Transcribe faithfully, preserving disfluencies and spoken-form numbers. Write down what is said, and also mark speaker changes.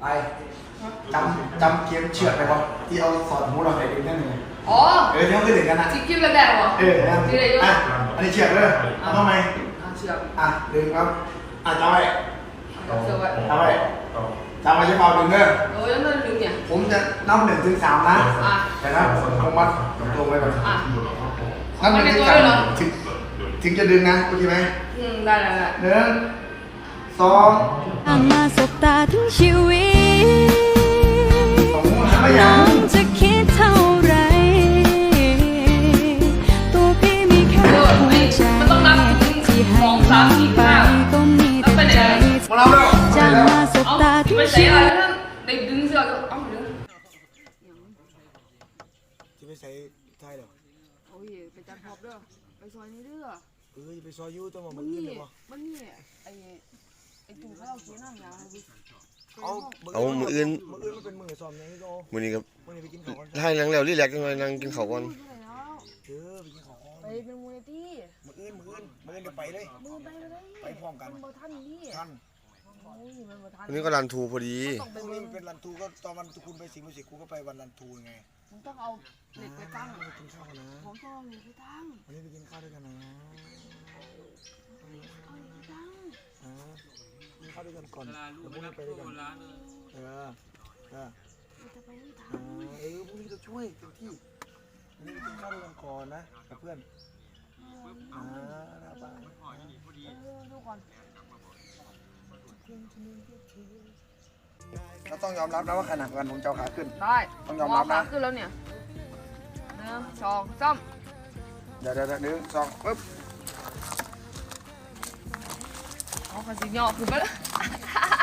Speaker 1: ไปจำจำเกมเชือดไปป่ะที่เอาสอดหูเราใส่ดึงนั่นไง
Speaker 2: อ๋อ
Speaker 1: เออที่เขาคือดึงกันนะ
Speaker 2: ที่กิ้วแดงๆวะ
Speaker 1: เออนะอ่ะอันนี้เชือดเลยเอาทำไม
Speaker 2: อ่ะเชือด
Speaker 1: อ่ะดึงครับอ่ะจำไว้
Speaker 2: เชือดไว้
Speaker 1: จำไว้จำไว้จะเป่าดึงเด้อ
Speaker 2: โอ้ยแล้วมันดึงเนี่ย
Speaker 1: ผมจะนับหนึ่งถึงสามนะแต่นะผมมัดตรงไว้ก่อนนับหนึ่งถึงสามถึงถึงจะดึงนะโอเคไหม
Speaker 2: อืมได้ได้ได้
Speaker 1: หนึ่งสอง
Speaker 3: ห่างมาสบตาทั้งชีวิตน้องจะคิดเท่าไรตัวพี่มีแค่หัวใจที่ให้น้องไปก็มีแต่ใจจะมาสบตาทั้งชีวิต
Speaker 2: ได้ดึงเสื้อก็เอาดึง
Speaker 1: จะไปใส่ไทยเหรอ
Speaker 2: โอ้ยไปจัดพอบเด้อไปซอยนี้เด้อ
Speaker 1: เออไปซอยยูตัวมันนี่
Speaker 2: มันนี่ไอ้ไอ้ตู่เขาเอาเสียนั่งยาวให้ดิ
Speaker 4: เอาเอามืออื่น
Speaker 1: มืออื่นมันเป็นมือซ้อมยังไงก็
Speaker 4: มือนี้ครับ
Speaker 1: มือนี้ไปกินข้าวก่อน
Speaker 4: ให้นั่งแล้วรีแลกซ์กันหน่อยนั่งกินข้าวก่อน
Speaker 1: เออไปกินข้าวก่อน
Speaker 2: ไปเป็นมูลนิธิ
Speaker 1: มืออื่นมืออื่นมืออื่นเดี๋ยวไปเลย
Speaker 2: มือไปเลย
Speaker 1: ไปพร้อมกัน
Speaker 2: มันทันนี่
Speaker 1: ทัน
Speaker 4: วันนี้ก็รันทูพอดี
Speaker 1: พรุ่งนี้มันเป็นรันทูก็ตอนวันคุณไปสิงห์บุรีกูก็ไปวันรันทูไง
Speaker 2: มึงต้องเอาเหล็กไปตั้ง
Speaker 1: ไปกินข้าวกันนะ
Speaker 2: ผมต้องเอาเหล็กไปตั้ง
Speaker 1: วันนี้ไปกินข้าวด้วยกันนะอ่ากินข้าวด้วยกันก่อนเดี๋ยวพรุ่งนี้ไปด้วยกันเออเออเออพรุ่งนี้จะช่วยเต็มที่วันนี้ไปกินข้าวด้วยกันก่อนนะกับเพื่อนอ่านะป้า
Speaker 2: ดูก่อน
Speaker 1: ก็ต้องยอมรับนะว่าขนาดกันผมเจ้าขาขึ้น
Speaker 2: ได้
Speaker 1: ต้องยอมรับนะ
Speaker 2: ขาขึ้นแล้วเนี่ยหนึ่งสองสาม
Speaker 1: เดี๋ยวเดี๋ยวหนึ่งสองปึ๊บ
Speaker 2: เอาขาสิงห์ขึ้นไปแล้ว